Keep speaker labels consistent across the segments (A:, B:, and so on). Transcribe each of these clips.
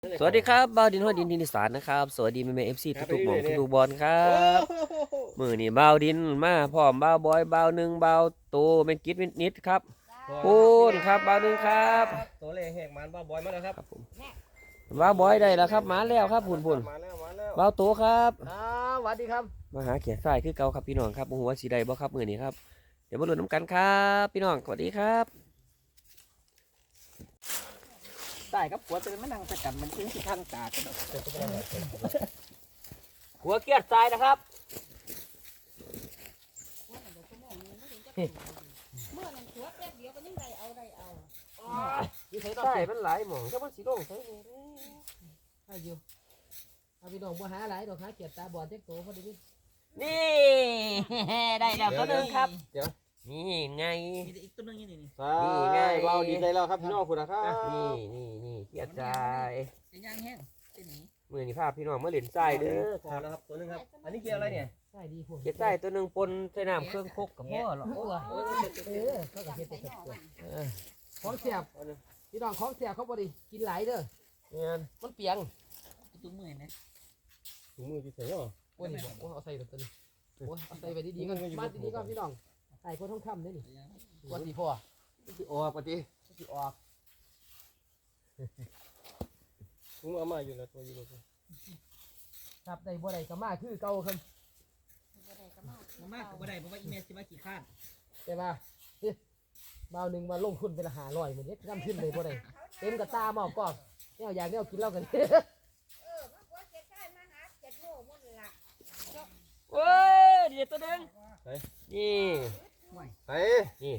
A: สวัสดีครับบ่าวดินฮอดดินดินอีสานนะครับสวัสดีแม่เอฟซีทุกๆหม่องทุกๆบอลครับมือนี่บ่าวดินมาพร้อมบ่าวบอยบ่าวหนึ่งบ่าวโตเป็นกิจนิดครับพูนครับบ่าวหนึ่งครับ
B: ตัวเลขแหกมันบ้าบอยมาแล้วครับ
A: ผมบ่าวบอยได้แล้วครับมาแล้วครับพูน
B: มาแล้ว
A: บ่าวโตครับ
B: สวัสดีครับ
A: มาหาเขียนทรายคือเก่าครับพี่น้องครับหัวสีใดบ่ครับมือนี้ครับเดี๋ยวมาลุ้นน้ำกันครับพี่น้องสวัสดีครับ
C: ได้ครับหัวเป็นมันนั่งสกัดมันทิ้งที่ข้างตากัน
A: หัวเกียร์ทรายนะครับ
D: เมื่อนั้นหัวแป๊บเดียวก็ยังได้เอา
A: ใช่มันหลายหม่องถ้ามันสีลงใช่ไหม
C: ให้อยู่เอาพี่น้องบัวหาหลายดอกหาเกียรตาบอดเจ๊กโตพอดี
A: นี่ได้แล้วตัวนึงครับนี่ไง
C: มีอีกตัวนึงนี่
B: นี่ไงเบาดีใจแล้วครับพี่น้องคุณนะครับ
A: นี่เกียร์ใจ
C: ย่างแห้งเป็นนี้
A: มือนี่ภาพพี่น้องเมื่อเหรียญใจเด้อ
B: พอแล้วครับตัวนึงครับอันนี้เกียร์อะไรเนี่ย
C: ใช่ดีพวก
A: เกียร์ใจตัวนึงปนใส่น้ำเครื่องคกกับพ่อหรอ
C: เขากับเฮ็ดเป็นของเสียบพี่น้องของเสียบเขาพอดีกินหลายเด้อ
A: เนี่ย
C: มันเปียงตุ้มมือนะ
B: ถุงมือที่ใส่เหรอ
C: โอ้ยนี่บอกเอาใส่ตัวนี้โอ้ยเอาใส่ไปดีๆก่อนมาดีๆก่อนพี่น้องใส่คนท่องคำนี่วันที่พ่อ
B: ที่ออกปฏิ
C: ที่ออก
B: ถุงเอามาอยู่แล้วตัวอยู่เลย
C: ครับได้บ่ได้ก็มาคือเก่าครับ
D: มาก
C: ก็บ่ได้เพราะว่าอีเมลสิมากี่ข้านใช่ป่ะบ่าวหนึ่งมาลงทุนเป็น500เหมือนนี้ทำขึ้นเลยบ่ได้เต็มกระตาหม้อกอกเนี่ยอยากเนี่ยกินเหล้ากัน
D: มาหัวเจ็ดได้มาหาเจ็ดโลหมดละ
A: โอ้ยเดี๋ยวตัวนึงนี่
B: นี่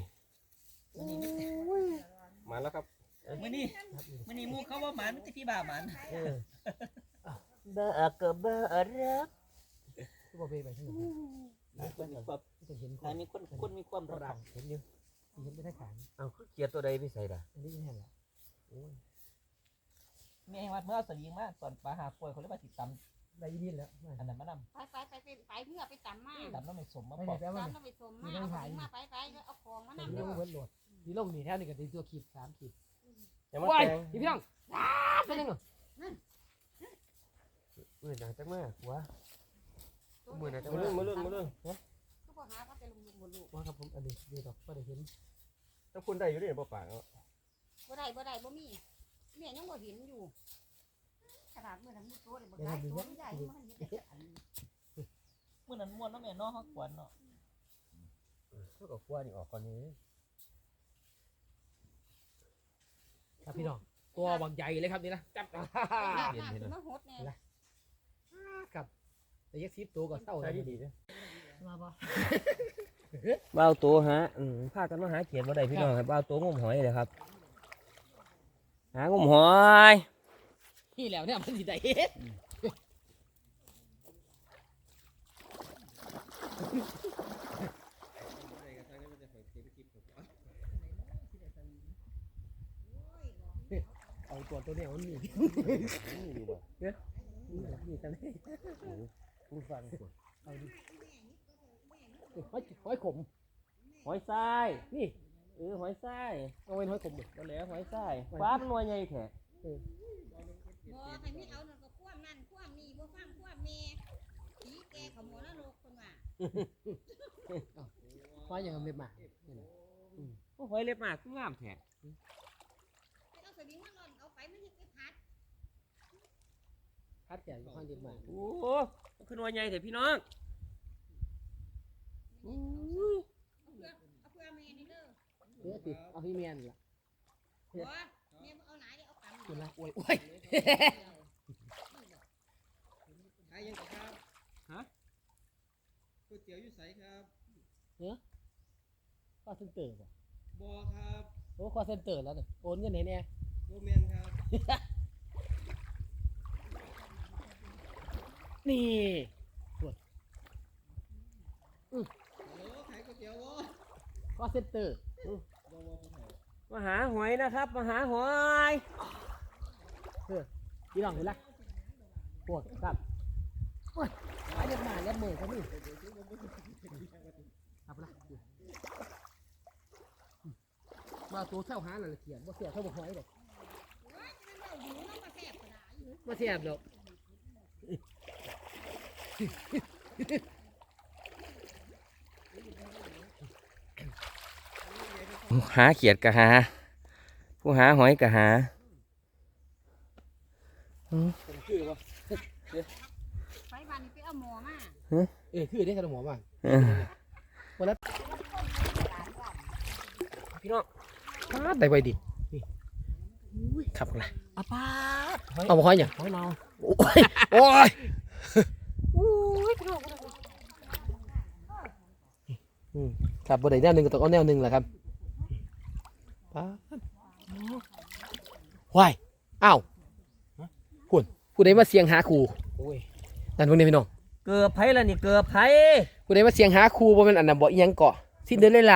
B: มาแล้วครับ
C: มื้อนี้มูเขาว่าหมานมันจะพี่บ่าหมาน
A: เบอร์กับเบอร์รัก
C: ทุกประเภทไปทั้งหมดจะเห็นคนมีความรักเห็นอยู่เห็นไปได้ขาน
A: เอาเกียร์ตัวใดไม่ใส่ละ
C: อันนี้แน่ละโอ้ยแม่ว่าเมื่อสลิงมาตอนปลาหาป่วยเขาเรียกว่าติดตำได้ยินแล้วอันนั้นมาน
D: ำไปเมื่อไปตำมา
C: ตำแล้วไม่สมมา
D: ปอกตำแล้วไม่สมมาไปเอาของมานำ
C: นี่ลงเวิร์ดโหลดนี่ลงนี่แถวนี่ก็ตีตัวขีด3 ขีด
B: ว้าย
C: พี่พี่น้องเป็นยังไง
A: มือหนาจังมากหัวมือหนาจัง
B: มาเรื่อง
D: ก็พอหาเขาจะลงบนลูก
C: ว่าครับผมอันนี้ดีดอกก็ได้เห็น
B: ถ้าคุณได้อยู่นี่บ่ปาก
D: บ่ได้บ่มีเนี่ยยังบ่เห็นอยู่ขนาดเมื่อนั้นมีโต๊ะเลยบ่ได้โต๊ะใหญ่มันเห็นแต่อัน
C: เมื่อนั้นม้วนน้ำแม่น้องเขากวนเนาะ
A: ก็กับขั้วนี่ออกก่อนนี้
C: ครับพี่น้องตัวบางใหญ่เลยครับนี่นะจับ
D: เห็นมาหดแน่
C: ครับแต่ยักษ์ซีตัวก็เศร้าเลย
B: ดีเลย
C: มาบ่
A: บ่าวตัวฮะพากันมาหาเขียนบ่ได้พี่น้องครับบ่าวตัวงมหอยเลยครับหางมหอย
C: ที่แล้วเนี่ยมันสิได้เอาตัวเนี่ยมันมี
A: อยู่บ่
C: เนี่ยนี่กันผู้ฟังเอาดิหอยขม
A: หอยทราย
C: นี่
A: หอยทราย
C: เอาเป็นหอยขมดิ
A: ก็แล้วหอยทรายฟ้ามันนวลใหญ่แท้
D: บ่ให้มีเอานั่นก็คว่ำนั่นคว่ำนี่บ่ฟังคว่ำแม่ผีแกขโมยนรกคนว่า
C: หอยอย่างเม็ดหมาก
A: หอยเล็บมากงามแท้
D: เอาสวิงมาล่อนเอาไปมันจะไป
C: พัดใหญ่หอยเล็บหมาก
A: โอ้ขึ้นนวลใหญ่แท้พี่น้อง
D: เอาเพื่อแม่นี่เด้อ
C: ติดเอาพี่เมียนล่ะ
D: แม่เอาไหนได้เอาปั๊ม
C: คุณละโอ้ย
B: ใครยังครับฮะก๋วยเตี๋ยวอยู่ใสครับ
C: ข้อเซ็นเตอร์ป่ะ
B: บอครับ
C: โอ้ข้อเซ็นเตอร์แล้วเนี่ยโอนเงินไหนเนี่ย
B: โรแมนครับ
C: นี่ก็เซ็นเตอร์
A: มาหาหอยนะครับมาหาหอย
C: พี่น้องเห็นละปวดครับหายมาแล้วมือเขานี่ครับละมาตัวเท่าหาหน่อยเขียนว่าเสียเท่าหอยเลยเสียบหรอก
A: หาเขียดกะหา ผู้หาหอยกะหา
C: ผมคือวะ
D: ไปบ้านนี่ไปเอาหมอมา
C: คือได้ขนมหมอบ้าง
A: พี่น้อง
C: ได้ไวดิขับละ
A: อาป้า
C: เอามาค่อยเนี่ย
A: หอยเมา
C: โอ้ยครับบนไหนแนวหนึ่งก็ต้องเอาแนวหนึ่งแหละครับป้าว้ายอ้าวคุณผู้ใดมาเสียงหาครูนั่นพวกนี้พี่น้อง
A: เกือบไผ่ละนี่เกือบไผ่
C: ผู้ใดมาเสียงหาครูบ่เป็นอันนั้นบ่อีหยังเกาะซินเดอเรลล่า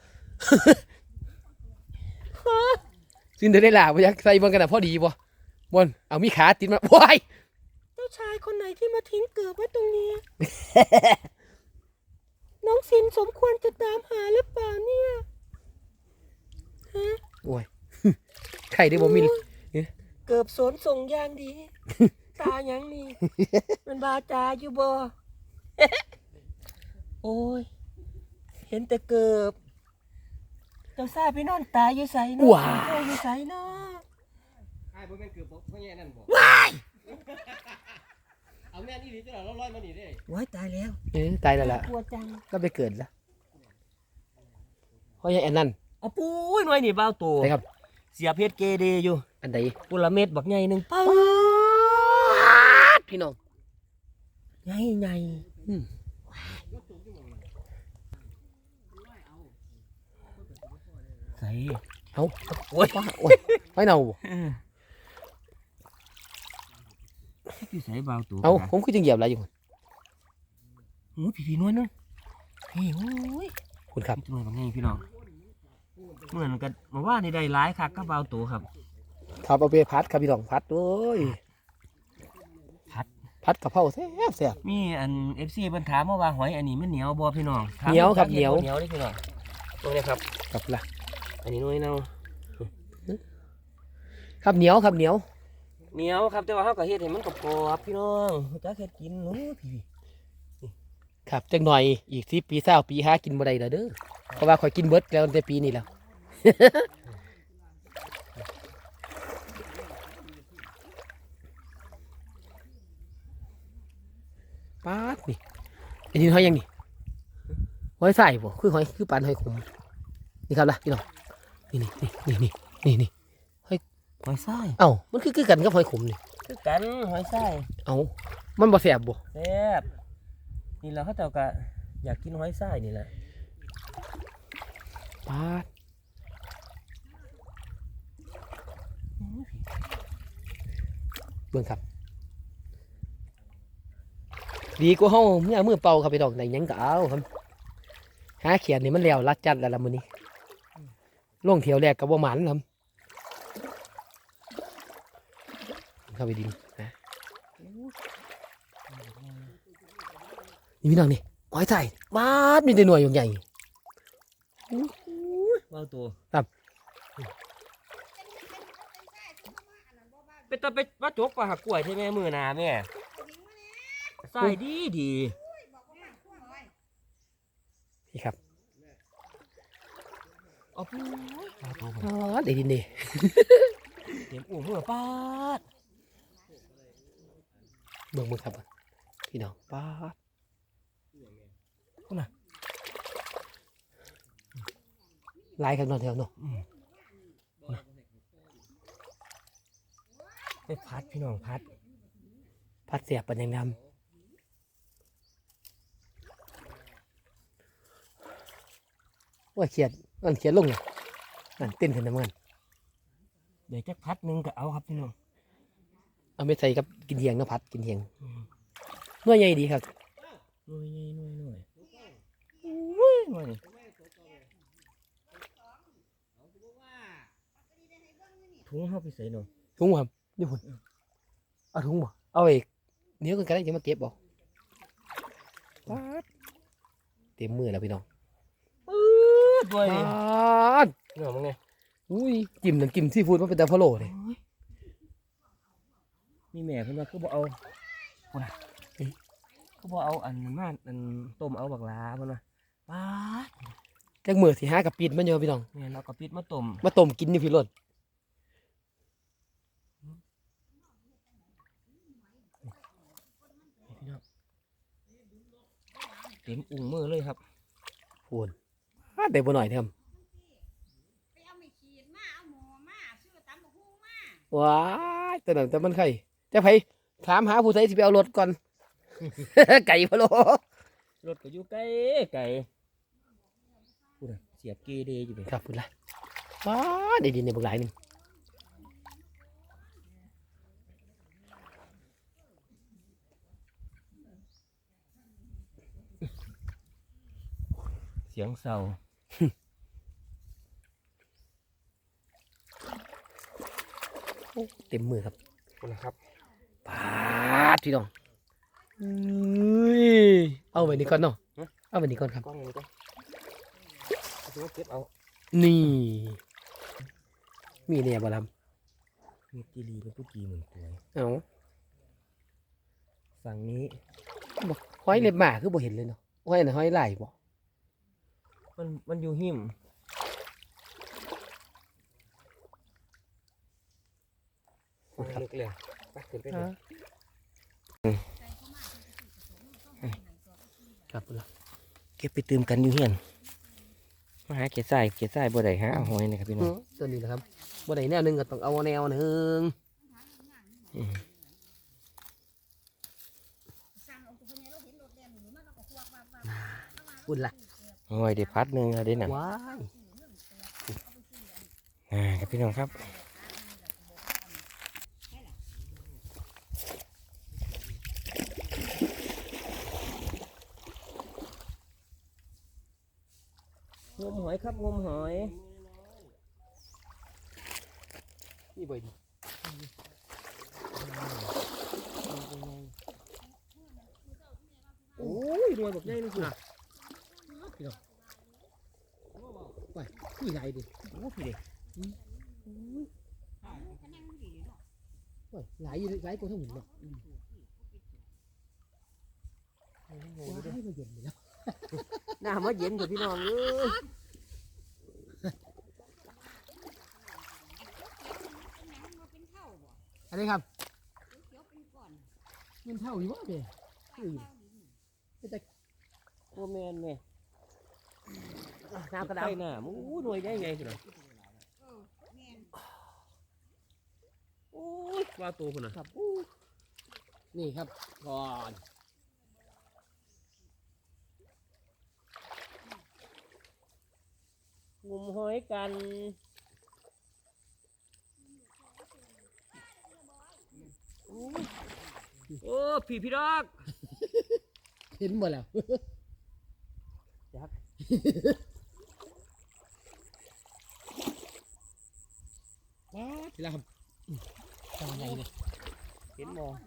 C: ซินเดอเรลล่าบ่อยากใส่เบิ่งกันน่ะพอดีบ่บ่นเอามีขาติดมาว้าย
A: เจ้าชายคนไหนที่มาทิ้งเกือบไว้ตรงนี้ น้องซินสมควรจะตามหาหรือเปล่าเนี่ย
C: โอ้ย ไข่ได้บ่มี
A: เกือบสนส่งอย่างดี ตาหยังนี่ มันบาจาอยู่บ่ โอ้ย เห็นแต่เกือบ เจ้าซาไปนอนตายอยู่ใส่เนาะ
C: ว้า
A: โอ้ยอยู่ใส่เนาะ
B: ไอ้บ่แม่นเกือบบ่แย่นั่นบ่เอาแม่นอีหลีจังเราลอยมานี่เด้
A: ว้ายตายแล้ว
C: ตายแล้วล่ะ
A: กลัวจัง
C: ก็ไปเกิดแล้วเพราะยังอันนั้น
A: เอาปุ้ยหน่วยนี่เบาตัว
C: ใช่ครับ
A: เสียเพชรเกเดอยู่
C: อันใด
A: ปุระเม็ดบักใหญ่หนึ่งป้า
C: พี่น้อง
A: ใหญ่ใหญ่
C: อืม
A: ใส่
C: เอา
A: โอ้ย
C: โอ้ยไม่เนาบ่
A: พี่ใส่เบาตัว
C: เอาผมคือจังเหยียบอะไรอยู่
A: โอ้ยพี่น้อยนึงพี่โอ้ย
C: คุณครับ
A: หน่วยบักใหญ่พี่น้องเหมือนกันมาว่านี่ได้หลายคักก็เบาตัวครับ
C: ครับเอาไปพัดครับพี่น้องพัดโอ้ย พัดกะเพราแซ่บแซ่บ
A: มีอัน FC เพิ่นถามมาว่าหอยอันนี้มันเหนียวบ่พี่น้องถาม
C: เหนียวครับ
A: า
C: เหนียว
A: เหนียวนี่พี่น้องตรงนี้ครับ
C: ครับละ
A: อันนี้หน่วยเนา
C: ครับเหนียวครับเหนียว
A: เหนียวครับแต่ว่าเฮาก็เฮ็ดให้มันกรอบๆพี่น้องจักเฮ็ดกินหนูพี่
C: ครับจังหน่อยอีก10 ปี20 ปีหากินบ่ได้แล้วเด้อเพราะว่าข่อยกินเบิดแล้วตั้งแต่ปีนี้แล้ว ปาดนี่ไอ้นี่หอยยังนี่หอยใส่บ่คือหอยคือปานหอยขมนี่ครับล่ะพี่น้องนี่นี่
A: หอยทราย
C: เอ้ามันคือกันกับหอยขมนี่
A: คือกันหอยทราย
C: เอ้ามันบ่แซ่บบ่
A: แซ่บนี่เราเขาเจ้าก็อยากกินหอยทรายนี่แหละ
C: ปาดเบิ่งครับดีกว่าเฮาเมื่อมือเป่าครับพี่น้องได้หยังก็เอาครับหาเขียนนี่มันแล้วรัดจัดแล้วล่ะมื้อนี้ลงเที่ยวแรกก็บ่หมันครับเข้าไปดินนะนี่พี่น้องนี่หอยใส่บาดมีแต่หน่วยใหญ่
A: เบาตัว
C: ครับ
A: ไปตะไปวัดจกปลาหักกล้วยใช่ไหมมือหนาแม่ใส่ดีดี
C: นี่ครับ
A: เอาปูปลาตัว
C: อ๋อได้ดินดี
A: เต็มอู่มือปาด
C: เบิ่งมือครับพี่น้องปาดลายกันนอนแถวเนาะ
A: ไปพัดพี่น้องพัด
C: พัดเสียบปันยังงามว่าเขียดมันเขียดลงเนี่ยนั่นเต้นขึ้นน้ำเงิน
A: เดี๋ยวจะพัดหนึงก็เอาครับพี่น้อง
C: เอาไปใส่กับกินเหียงเนาะพัดกินเหียงเมื่อใหญ่ดีครับ
A: หน่วยหน่วยหน่วยอุ้ยหน่วยนี่ถุงเข้าไปใส่หน่อย
C: ถุงบ่ครับนี่พุ่นเอาถุงบ่เอาไอ้เนี้ยกันก็ได้จะมาเก็บบ่ปาดเต็มมือแล้วพี่น้อง
A: ด้วย
C: ป
A: นี่
C: าด
A: พี่น้องมึงไง
C: อุ้ยจิ้มน้ำจิ้มซีฟู้ดมันเป็นแต่พะโล้เลย
A: โอ้ยมีแม่เพิ่นว่าคือบ่เอาพุ่นน่ะคือบ่เอาอันนั้นมาอันต้มเอาบักหลาเพิ่นว่าป๊าด
C: จักมือสิหากับปิดมันอยู่พี่น้อง
A: แม่นเอากระปิดมาต้ม
C: มาต้มกินนี่พี่รถ
A: พี่น้องเต็มอุ้งมือเลยครับ
C: พูนได้บ่หน่อยเท่า
D: ไปเอาไม่ขีดมาเอาหมูมาซื้อตำบักหุ่งมา
C: ว้ายแต่นั้นแต่มันไข่จะไผถามหาผู้ใดสิไปเอารถก่อน ไก่พะโล
A: รถก็อยู่ไกลไกลพูดน่ะเสียบเกเรอยู่เลย
C: ครับพูดละว้าได้ดินในบักหลายหนึง
A: เสียงเศร้า
C: เต็มมือครับ
A: พูดนะครับ
C: ปาดพี่น้องอุ้ยเอาไว้นี่ก่อนเนาะเอาไว้นี่ก่อนครับ
A: กล้องนี้ก็ดูว่าเก็บเอา
C: นี่มีเนี่ยบ่ล
A: มีจีรีเป็นผู้จีเหมือนตัว
C: ำเอา
A: ฝั่งนี้
C: บอกห้อยเล็บหมาคือบ่เห็นเลยเนาะห้อยน่ะห้อยไหล่บ่
A: มันอยู่หิมลึกเลยไปขึ้นไปเลย
C: ครับพูดละ
A: เก็บไปตื่มกันอยู่เฮียนมาหาเกศใส่บ่ได้หาเอาหอยนะครับพี่น้อง
C: ตัวนี้นะครับบ่ได้แนวหนึงก็ต้องเอาแนวหนึง
A: อืม
D: สั่งเอาตัวนี้เราเห็นรถแดงหนูมันเราก็ควักว่า
C: พูดละ
A: หอยได้พัดหนึงอะได้หนัง
C: ว้าย
A: ครับพี่น้องครับงมหอยครับงมหอย
C: นี่บ่ดีโอ้ยรวยบักใหญ่เลยคุณพี่น้องไปพี่ไหลดิ
A: โอ้พี่เด็ก
C: โอ้ยไหลอยู่ไหลกว่าทั้งหมดเนาะว้ายมาเย็นเลยแล้ว
A: หน้ามาเย็นกับพี่น้องเอ้ย
C: อันนี้ครับ
D: เขียวเป็นก้อน
C: เงินเท่าอยู่วะเด้แต่
A: โอ้แมนแม่
C: น้ำกระดา
A: ใส่หน้ามู้หน่วยได้ไงสิล่ะ
D: แม่น
A: โอ้ยว่าตัวคนน่ะ
C: ครับนี่ครับก่อน
A: งมหอยกันโอ้พี่ดอก
C: เห็นหมดแล้ว
A: จัก
C: ว้าทีละครับทำไงเนี่ย
A: เห็นมอง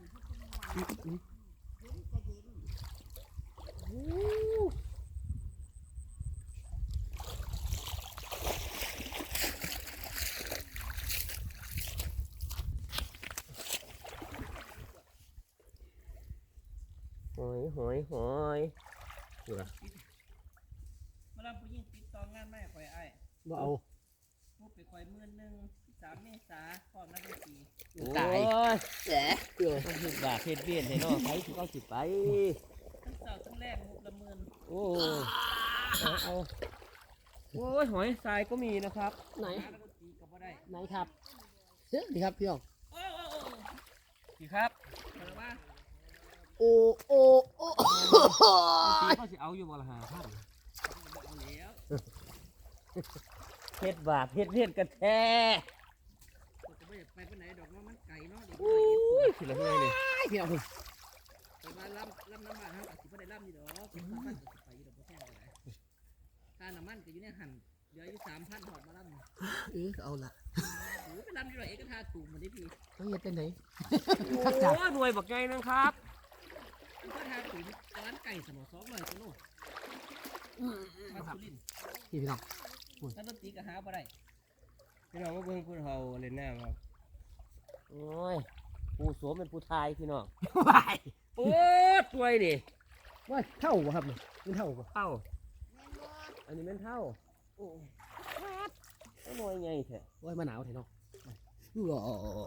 A: หอยดูละ
B: มาลำผู้หญิงปิดตองงานไม่ข่อยไอ้
C: บ่เอา
B: มุกไปข่อย13 เมษาพร้อมนักดนตรี
C: ตาย
A: แหละต้องเฮ็ดบาปเฮ็ดเบี้ยนให้น้องไปสิเอาสิไป
B: ทั้งเช้าทั้งแรกมุกละหมื่น
A: โอ้เอาโอ้ยหอยทรายก็มีนะครับ
C: ไหน
B: นักดนตรีก็บ่ได้
C: ไหนครับเฮ้ยดีครับพี่น้อง
B: โอ้โอ้โอ้
A: พี่ครับ
B: เออว่า
C: โอ้โอ้โอ้
A: พี่ก็สิเอาอยู่บ่ละ5,000
B: เอาแล้ว
A: เฮ็ดบาปเฮ็ดเฮ็ดกันแท้
B: ก็บ่อยากไปไหนดอกเนาะมันไกลเนาะเดี๋ยว
A: โอ้ยสิละเฮ้ยนี่
C: พี่น้อง
B: ไปมาลำน้ำมันเฮาก็สิบ่ได้ลำอยู่ดอกเป็น3,000ก็สิไปอยู่ดอกบ่แพงก็ได้ค่าน้ำมันก็อยู่ในหั่นเหลืออยู่ 3,000หอดมาลำ
C: เอาละ
B: โอ้ไปลำอยู่ดอกเอกทาตูมมาดิพี่
C: ต้องเฮ็ดเป็นไหน
A: โอ้ยรวยบักไงนึงครับ
B: เอกทาตูมร้านไก่สมอ200กิโลมาสุรินทร์
C: พี่น้อง
B: นักดนตรีก็หาบ่ได้
A: พี่น้องมาเบิ่งคุณเฮาเล่นน้ำครับโอ้ยผู้สวมเป็นผู้ทายพี่น้อง
C: วาย
A: โอ้ตัวนี่
C: ว่าเท่าบ่ครับนี่มันเท่าบ่
A: เท่า
D: แม่นบ่
A: อันนี้แม่นเท่าโอ้ยน้อยไงแท้
C: โอ้ยมาหนาวแท้เนาะอู้อ๋อ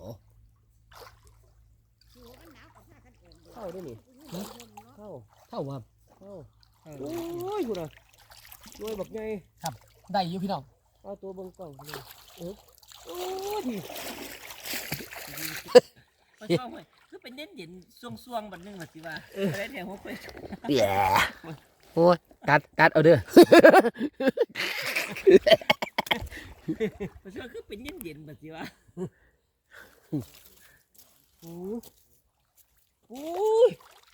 D: อยู่มันหนาวกับผ้ากันเองเด้อ
A: เท่าด้วยนี่
D: เนาะ
A: เท่า
C: เท่าบ่ครับ
A: เท่าโอ้ยคุณน่ะน้อยบักไง
C: ได้อยู่พี่น้อง
A: เอาตัวเบิ่งกล้องนี่โอ้ย
B: ไปชอบเว้ยคือเป็นเด่นเด่นๆช่วงๆบัดนึงว่าสิว่าอะไรแถวหัวไป
C: แย่โอ้ยกัดเอาเด้อ
B: ไปชอบคือเป็นเด่นเด่นๆบัดสิว่า
A: โอ้ย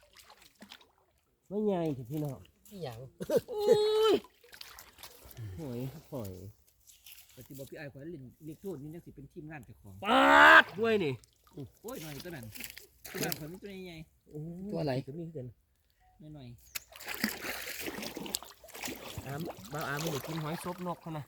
A: ไม่ใหญ่ถึงพี่น้อง
C: อีหยัง
A: หอยหอย
B: บัดสิบอกพี่ไอ้ายขอเล่นเรียกโทษนี่จังสิเป็นทีมงานเจ้าของ
A: ปาดด้วยนี่
B: โอ้ยหน่อยตัวนั้นที่บ้านผมมีตัวใหญ่
C: ตัวอะไร
A: ก็มีกัน
B: ๆหน่อย
A: บ้าวอาไม่ได้กินหอยซบนกเขานะ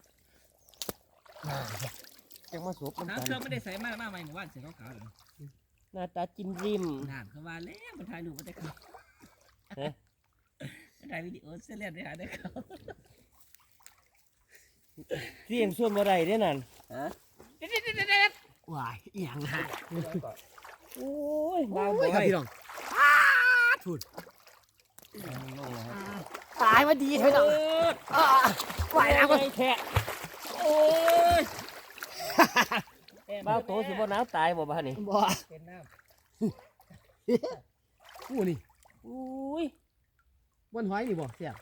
A: จังมาซบ
B: ๆ
A: น้ำ
B: น้ำ
A: ตา
B: เครื่อ
A: ล
B: งไม่ได้ใส่มากใหม่หมู่บ้านเสียขาวๆเลย
A: หน้าตาจิ้มริม
B: นานเขาว่าแล้วมันถ่ายรูปมาได้เขา
A: เอ๊ะ
B: มันถ่ายวิดีโอเสียเรียบได้หาได้เขา
A: เสียงส่วนบ่ได้เด้นั่น
C: วายอีหยังฮะ
A: โอ้ย
C: โอ้
A: บ้าวย
C: ครับพี่น้องถูด
A: ลงแล้วครับ
C: ตายมาดีเถอะน้องวายแล้วก็
A: แค่
B: โอ้ย
A: บ้าวโตสิบ่หนาวตายบ่บ้านี่
C: บ่
B: เป็นน้
C: กูนี่
A: อุ้ย
C: บนหอยนี่บ่เสียบ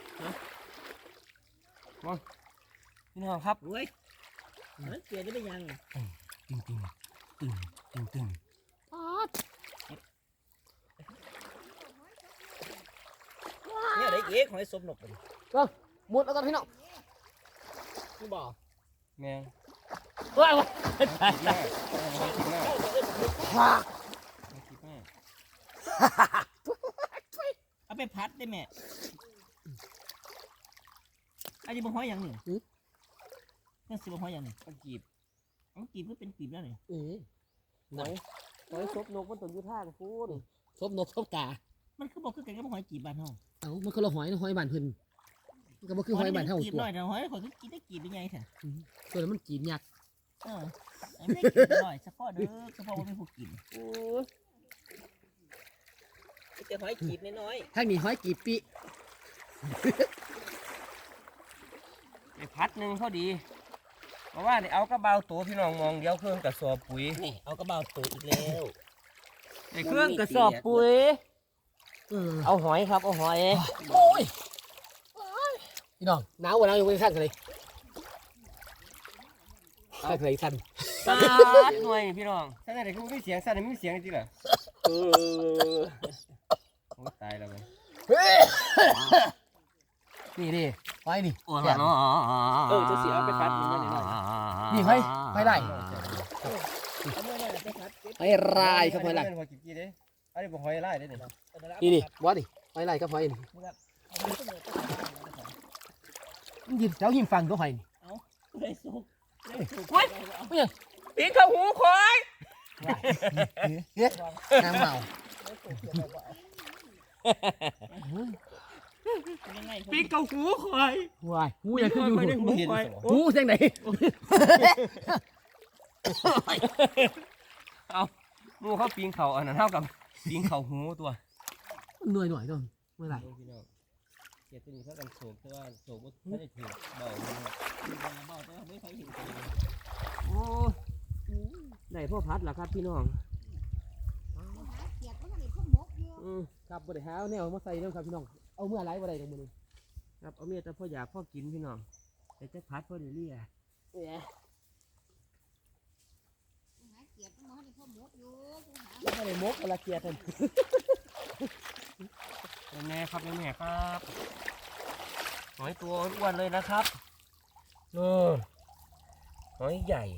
A: พี่น้องครับ
B: ำโอ้ยมันเกลียดได้ยัง
A: ตึงตึงตึงตึงตึง
B: เนี่ยได้เอ๊ะของไอ้สมนกเลย
C: หมดแล้วกันพี่น้อง
B: กูบอก
A: แมง
C: ว้าย
A: คิดมากคิดมากคิดมาก
B: เอาไปพัดได้แม่อันนี้บ่ห้อยอย่างหนึ่งนั่นสิบ่ห้อยอย่างหนึ่ง
A: เอากีบ
B: เอากีบก็เป็นกีบแล้วนี่
A: หอยซบนกมันต้องอยู่ทางพูน
C: ซบนกซบกา
B: มันคือบอกคือกันกับหอยกีบบ้านเฮา
C: เอ้ามันคนละหอยนะหอยบ้านเพิ่นมันก็บ่คือหอยบ้านเฮา
B: กีบ
C: ตัว
B: น้อยแต่หอยคนคือกินได้กีบเป็นไงแท้
C: ตัวนั้นมันกินยักษ์
B: ไอ้ไม่ได้กีบน้อยเฉพาะเด้อเฉพาะว่าไม่ผู้กิน
A: โอ้ย
B: จะหอยกีบน้อย
C: ทางนี้หอยกีบปิ
A: ไอ้พัดหนึ่งพอดีเพราะว่าเนี่ยเอากระเบาตัวพี่น้องมองเดียวเครื่องกระสอบปุ๋ย
B: นี่เอากระเป๋าตัวอีกแล้ว
A: ไอ้เครื่องกระสอบปุ๋ย เอาหอยครับเอาหอย
C: โอ้ยพี่น้องหนาวกว่าหนาวอยู่บนขั้นกันเลยขั้นเลยสั้น
A: ตาดหน่วยพี่น้องถ้าไหนคือไม่เสียงสั่นไม่มีเสียงจริงเหรอโอ้ตายแล้วไหม
C: นี่ดิหอยนี่
A: โอ้ยเนาะจะเสียไปพัดมันหน่อย
C: นี่หอยได้
B: เอาเมื่อไหร่จะพัด
C: หอยลายครับหอยลาย
A: เป็นหอยกิ๊กกี้เด้อันนี้เป็นหอยลายเด้เนี่ย
C: นี่บอสนี่หอยลายกับหอยนี่มันยืนแถวหิมฟังก็หอยนี่
B: ได้สุกได้สุก
A: ปีนเข้าหูคอย
C: น้ำเมา
B: ยังไง
A: ปีนเข้าหูคอย
C: วายหูยังขึ้นอยู่
A: หูคอย
C: หูเสียงไหน
A: เอาหมูเขาปีนเขาอันนั้นเท่ากับปีนเขาหูตัว
C: หน่อยตัวเมื่อไหร่
A: พี่น้องเกียรตินี้เขากันโศกแต่ว่าโศกว่าไม่ได้ถือเบา
B: เบาแต่ไม่ใครเห็น
A: โอ้ได้พ่อพัดเหรอครับพี่น้อง
D: หาเกียดมันก็ได้พวกหมกอยู่
C: ครับบริหารแนวมาใส่เรื่องครับพี่น้องเอาเมื่อไรบ่ได้ตรงมือ
A: ครับเอาเมียแต่พ่ออยากพ่อกินพี่น้องแต่จะพัดพ่อเดี๋ยวเรีย
D: หาเกียดมันก็ได้พวกหมกอยู่กูหา
C: แล้วก็เลยมกเวลาเกียร์ท่าน
A: แม่ครับแม่ครับหอยตัวอ้วนเลยนะครับหอยใหญ่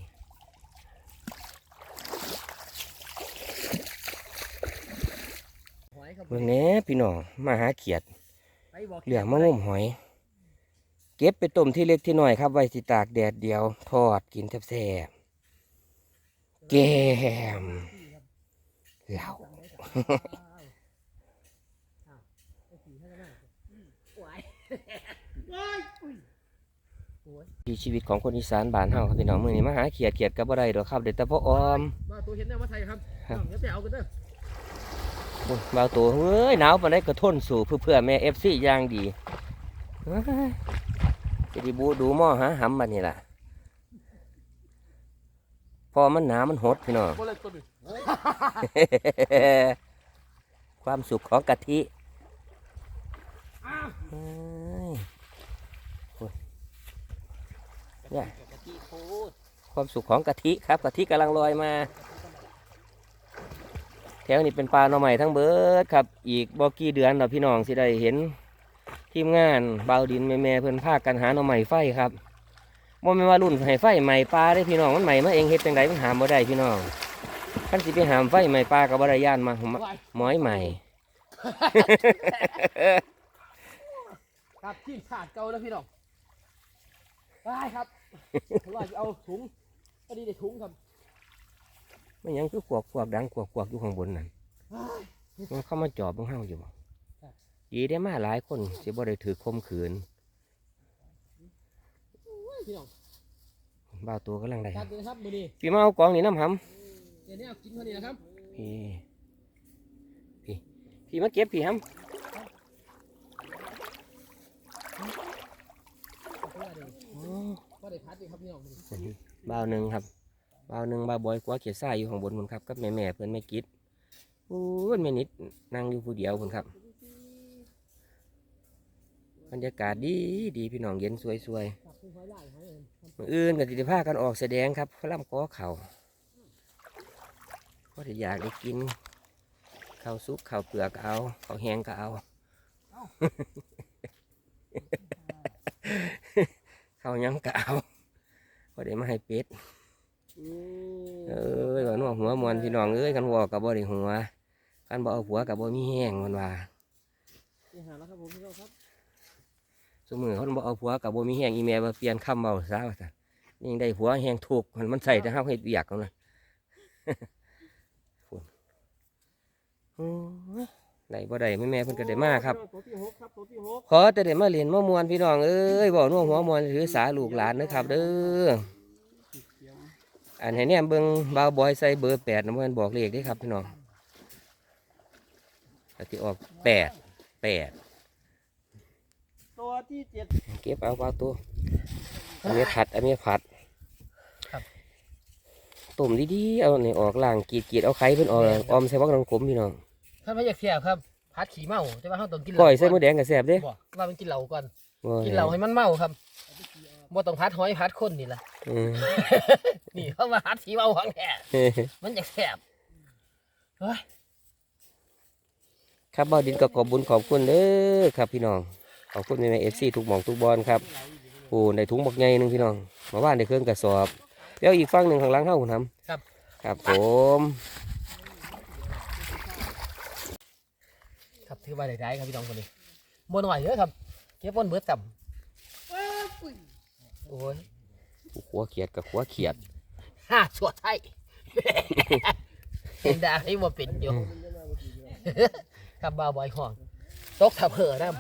A: เมื่อนี้พี่น้องมาหาเขียดเหลืองมะม่วงหอย เก็บไปต้มที่เล็กที่น้อยครับไว้สิตากแดดเดียวทอดกินแซ่บๆแกมเหล้า ที่ชีวิตของคนอีสานบ้านเฮาครับพี่น้องมื้อนี้มาหาเขียดก็บ่ได้ดอกครับเด็ดแต่พ่อออม
C: มาตัวเห็นได้มาไทยครับเดี๋ยวไปเอากันเด้อ
A: โอ้ยบ่าวตัวเอ้ยหนาวปานใดก็ทนสู้เพื่อแม่ FC อย่างดีเฮ้ยสิได้บูดูหม้อหาหำบัดนี้ล่ะพอมันหนามันหดพี่น้อง
C: บ่เลยตัวนึง
A: ความสุขของกะทิ
C: อ้าว
A: เอ้ยโอ้ยเนี่ย
B: กะทิโคตร
A: ความสุขของกะทิครับกะทิกำลังลอยมาแถวนี้เป็นปลาหน่อใหม่ทั้งเบิดครับอีกบ่กี่เดือนเราพี่น้องสิได้เห็นทีมงานเบาวดินแม่ๆเพิ่นพากันหาหน่อใหม่ไฟครับบ่แม่นว่ารุ่นให้ไฟใหม่ปลาได้พี่น้องมันใหม่มาเองเฮ็ดจังไดมันหามบ่ได้พี่น้องคันสิไปหามไฟใหม่ปลาก็บ่ได้ย่านมาหมอยใหม่
C: ครับทีมชาติเก่าแล้วพี่น้องได้ครับว่าจะเอาถุงก็ดีได้ถุงครับ
A: มันยังคือขวกดังขวกอยู่ข้างบนนั่นมันเข้ามาจอบของเฮาอยู่บ่ดีได้มาหลายคนสิบ่ได้ถือข่มขืน
C: พี่น้อง
A: บ่าวตัวกำลังได้
C: จัดเลยครับมือนี้
A: พี่มาเอากองนี่น้ำห
C: เดี๋ยวนี้เอากินพอดีนะครับ
A: ำพี่มาเก็บพี่ห
C: ก็ได้พัดดีครับพี่น้อง
A: ำบ่าวหนึ่งครับบ่าวหนึ่งบ่าวบอยกว่าเขียดทรายอยู่ข้างบนพุ่นครับกับแม่เพิ่นแม่กิดโอ้ยแม่นิดนั่งอยู่ผู้เดียวพุ่นครับบรรยากาศดีพี่น้องเย็นสวยๆมื้ออื่นก็สิได้พากันออกแสดงครับล่ำก้อเข่าก็จะอยากได้กินข้าวซุปข้าวเปลือกก็เอาข้าวแห้งก็เอา ข้าวหยังก็เอาก็ได้มาให้เป็ดเอ้ยว่านัวหัวมวนพี่น้องเอ้ยกันหัวกับบ่ได้หัวกันบ่เอาหัวกับบ่มีแห้งมันว่า
C: นี่หาแล้วครับผมพี่น้องครับ
A: สมมือเขาบ่เอาหัวกับบ่มีแห้งอีแม่มาเปลี่ยนคำเบาซะว่าซั่นนี่ยังได้หัวแห้งถูกมันใส่แต่เฮาเฮ็ดเวียกเอานะ ฝุ่นโอ้ยได้บ่ได้แม่เพิ่นก็ได้มาครับ
C: ตัวที่6ครับตัวที่6
A: ขอแต่ได้มาเรียนมามวนพี่น้องเอ้ยบอกนัวหัวมวนถือสาลูกหลานนะครับเด้ออันให้เนี่ยเบิ่งบ่าวบอยใส่เบอร์8นะเพิ่นบอกเลขเด้ครับพี่น้องอันที่ออก8
C: ตัวที่7
A: เก็บเอาบ่าวตัวอันนี้ผัดต้มดีๆเอานี่ออกล่างกรีดเอาไข่เพิ่นออกออมใส่บักน้ำขมพี่น้อง
C: ถ้าไม่อยากเสียบครับพัดขี่เมาแต่ว่าเขาต้องกิน
A: ก้อยใส่มะแดงก็แซ่บเด้
C: บอกว่ามันกินเหล้าก่อน
A: โอ้ย
C: กินเหล้าให้มันเมาครับบ่ต้องพัดหอยพัดคนนี่ล่ะ
A: อืม
C: นี่เขามาพัดขี่เมาของแท้มันอยากแสบเฮ้ย
A: ครับบ่าวดินก็ขอบบุญขอบคุณเด้อครับพี่น้องขอบคุณแม่ๆ FC ทุกหม่องทุกบอลครับโอ้ได้ถุงบักใหญ่หนึงพี่น้องมาว่านได้เครื่องกระสอบแล้วอีกฝั่งหนึงข้างหลังเฮาคุณทำ
C: ครับ
A: ครับผม
C: ครับถือว่าได้ครับพี่น้องคนนี้บ่หน่อยเด้อครับเก็บบนเบิดต่ำโอ้ย
A: ขัวเขียดกับขัวเขียด
C: ห้าชั่วไทย เห็นได้ให้บ่เป็นอยู่ ครับบ่าวบอยห้องตกทับเห่อน้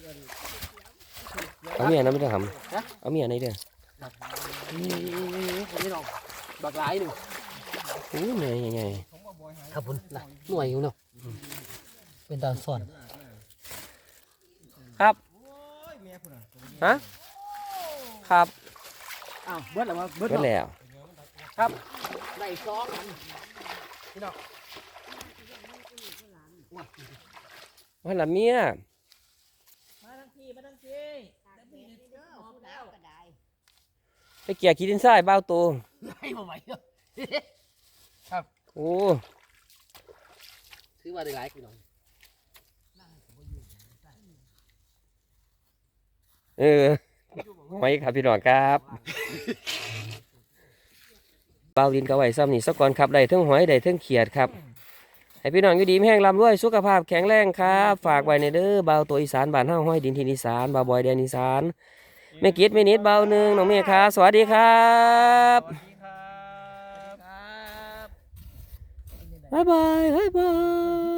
A: เอาเมียนะไม่ต้องท
C: ฮะ
A: ำเอาเมียไหนเด้อ
C: ำนี่พี่น้องบักหลายหนึ่ง
A: โอ้ยเมียใหญ่
C: ครับผมน่ะหน่วยอยู่เนาะเป็นตาซ่อน
A: ๆครับฮะครับ
C: อ้าวเบิดแล้วมาเบิด
A: ก็แล้ว
C: ครับได้ซองอันพี่น้อง
A: ว่าละเมีย
B: มาทั้งทีมาทั้งทีแล้วมีเด้อพูดแล้ว
D: ก็ได้
A: ไปเกี่ยขี้ดินทรายบ้าวโต
C: ให้มาไหวเนาะ
A: โอ้
C: ถือว่าได้หลายพี่น้อง
A: เออไว้ครับพี่น้องครับเบาดินก็ไว้ซ้ำนี่สักก่อนครับได้เทั้งหอยได้เทั้งเขียดครับให้พี่น้องอยู่ดีมีแห้งลำด้วยสุขภาพแข็งแรงครับฝากไว้ในเด้อเบาตัวอีสานบ้านเฮาห้อยดินทินอีสานเบาบอยแดนอีสานแม่กิดแม่นิดเบาหนึ่งน้องเมฆครับสวัสดีครับ
B: ครับ
A: บ๊ายบายบ๊ายบาย